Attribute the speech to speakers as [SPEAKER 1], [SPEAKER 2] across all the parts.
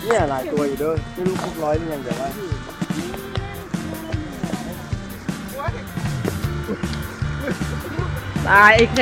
[SPEAKER 1] เนี่ยหลายตัวอยู่ด้วยไม่รู้ครบ100หรือยังเดี๋ยวว่า
[SPEAKER 2] ตายไอ้เค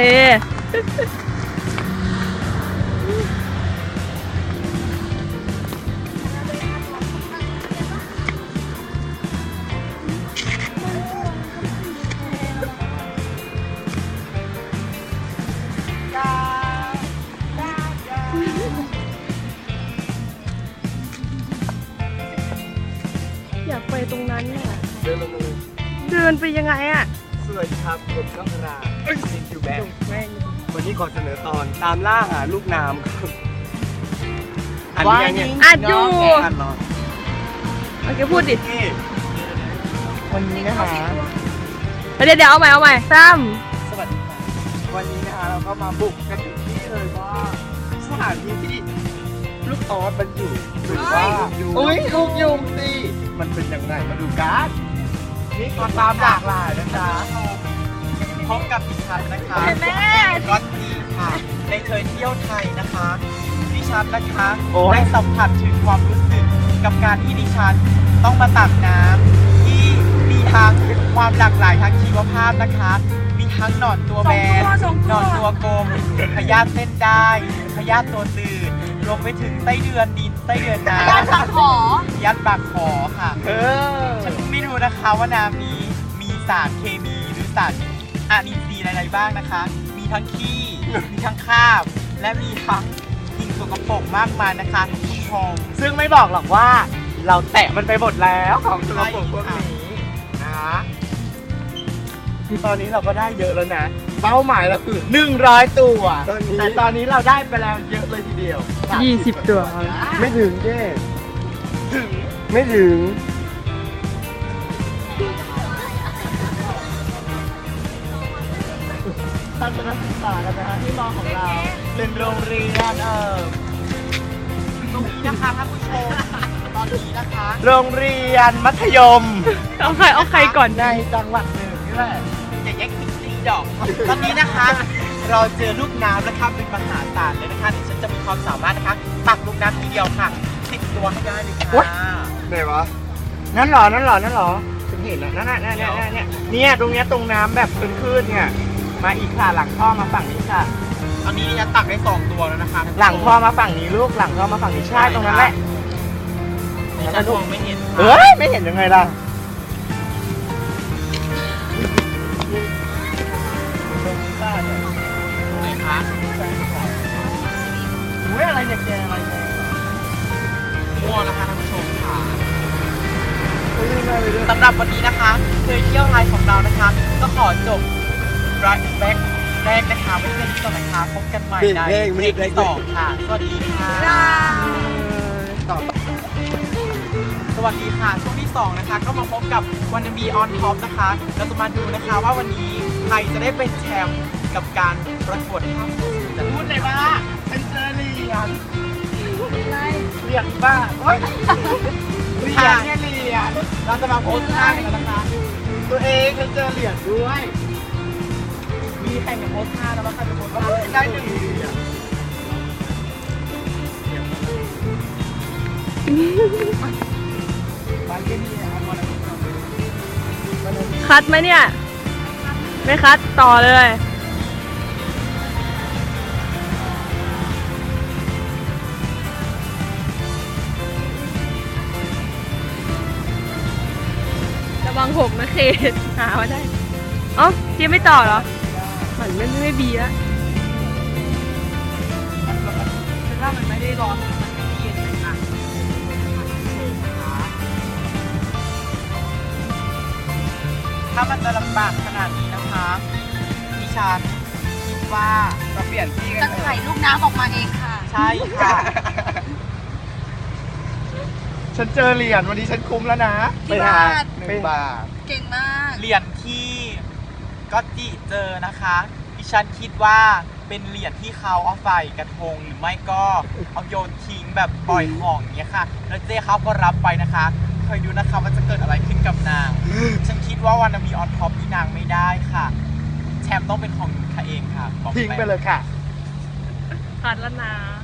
[SPEAKER 2] อยากไปตรงนั้นเนี่ย
[SPEAKER 1] เดินลงมือ
[SPEAKER 2] เดินไปยังไงอะ
[SPEAKER 1] สวัสดีครับผมก้องธราซิงคิวแบงวันนี้ขอเสนอตอนตามล่าหาลูกน้ำครับอันนี้เนี่ย
[SPEAKER 2] อัดอยู่
[SPEAKER 1] อันเหรอ
[SPEAKER 2] โอเคพูดดิ
[SPEAKER 1] นี่วันนี้นะคะ
[SPEAKER 2] เดี๋ยวเอาใหม่ซ้
[SPEAKER 1] สวัสดีค่ะวันนี้นะคะเราก็มาบุกกันถึงที่เลยว่าสถานที่ที่ลูกออสมันอยู่หรือว่าอุ้ยลูกยุงสิมันเป็นยังไงมาดูกันนี่ก็ตามหลากหลายนะจ๊ะพบกับดิฉันนะคะก๊อตตี้ค่ะในเคยเที่ยวไทยนะคะดิฉันนะคะได้สัมผัสถึงความรู้สึกกับการที่ดิฉันต้องมาตักน้ำที่มีทั้งความหลากหลายทางชีวภาพนะคะมีทั้งหนอนตัวแบนหนอนตัวกลมพยาธิเส้นได้พยาธิตัวตืดรวมไปถึงไส้เดือนดินไส้เดือนน้ำยัดปากขอยัดปากขอค่ะฉันไม่รู้นะคะว่าน้ำนี้มีสารเคมีหรือสารอะอินทรีย์อะไรบ้างนะคะ มีทั้งขี้ มีทั้งคราบ และมีทั้งสิ่งสกปรกมากมายนะคะคุณผู้ชมซึ่งไม่บอกหรอกว่าเราแตะมันไปหมดแล้วของสกปรกพวกนี้นะคือตอนนี้เราก็ได้เยอะแล้วนะ เป้าหมายเราคือ100 ตัวแต่ตอนนี้เราได้ไปแล้วเยอะเลยทีเดียว
[SPEAKER 2] ำ20 ตัว
[SPEAKER 1] ไม่ถึงเจ้ถึงไม่ถึงทัศนศึกษากันนะฮะที่มอของเราเป็นโรงเรียนตรงนี้นะคะท่านผู้ชมตอนนี้นะคะ โรงเรียนมัธยม
[SPEAKER 2] เอาใครก่อน
[SPEAKER 1] ในจังหวัดหนึ่งนี่แหละอย่าแย่งติ๊กติ๊กดอกตอนนี้นะคะ เราเจอลูกน้ำนะคะเป็นมหาศาลเลยนะคะที่ฉันจะมีความสามารถนะคะตักลูกน้ำทีเดียวค่ะ10 ตัวให้ได้เลยค่ะไหนวะนั่นหรอฉันเห็นแล้วนั่นเนี่ยตรงเนี้ยตรงน้ำแบบเป็นคลื่นเนี่ยมาอีกค่ะหลังท่อมาฝั่งนี้ค่ะตอนนี้จะตักได้2 ตัวแล้วนะคะหลังท่อมาฝั่งนี้ลูกหลังท่อมาฝั่งนี้ใช่ตรงนั้นแหละฉันมองไม่เห็นไม่เห็นยังไงล่ะไหนคะอุ้ยอะไรเนี่ยแกอะไรเนี่ยมั่วนะคะท่านผู้ชมค่ะสำหรับวันนี้นะคะเคยเที่ยวไทยของเรานะคะก็ขอจบรักแบ็คแรกนะคะไว้เพื่อนที่ต่อนะคะพบกันใหม่ในเพลงที่2ค่ะสวัสดีค่ะสวัสดีค่ะช่วงที่2นะคะก็มาพบกับวันบีออนท็อปนะคะเราจะมาดูนะคะว่าวันนี้ใครจะได้เป็นแชมป์กับการประกวดภาพจะพูดเลยว่าฉันเจอเหรียญเหรียญบ้าเหรียญเนี่ยเหรียญเราจะมาโพสต์ท่ากันนะคะตัวเองฉันเจอเหรียญด้วยมีแข่งกับโพสต์ท่าแล้วว่าใครจะโพสต์ท่าได้1 เหรียญ
[SPEAKER 2] คัดไหมเนี่ย ไม่คัดต่อเลยระวัง6นะเคหามาได้อ๋อเจี๊ยบไม่ต่อเหรอมันไม่บีแล้วฉันว่ามันไม่ได้ร้อนมันไม่เย็นเลยค่ะ
[SPEAKER 1] ถ้ามันจะลำบากขนาดนี้นะคะดิฉันคิดว่าเราเปลี่ยนที่กัน
[SPEAKER 3] จะไข่ลูกน้ำออกมาเองค่ะ
[SPEAKER 1] ใช่ค่ะ ฉันเจอเหรียญวันนี้ฉันคุ้มแล้วนะ
[SPEAKER 3] กี่บาท
[SPEAKER 1] 1 บาท
[SPEAKER 3] เก่งมาก
[SPEAKER 4] เหรียญที่ก็จิเจอนะคะดิฉันคิดว่าเป็นเหรียญที่เขาเอาใส่กระทงหรือไม่ก็เอาโยนทิ้งแบบปล่อยของอย่างเงี้ยค่ะแล้วเจ๊เขาก็รับไปนะคะเคยดูนะคะว่าจะเกิดอะไรขึ้นกับนาง ฉันคิดว่าวันมีออนท็อปที่นางไม่ได้ค่ะ แชมป์ต้องเป็นของหนูค่ะเองค่ะบอก
[SPEAKER 1] ทิ้งไปเลยค่ะ
[SPEAKER 2] คัดแล้วนะ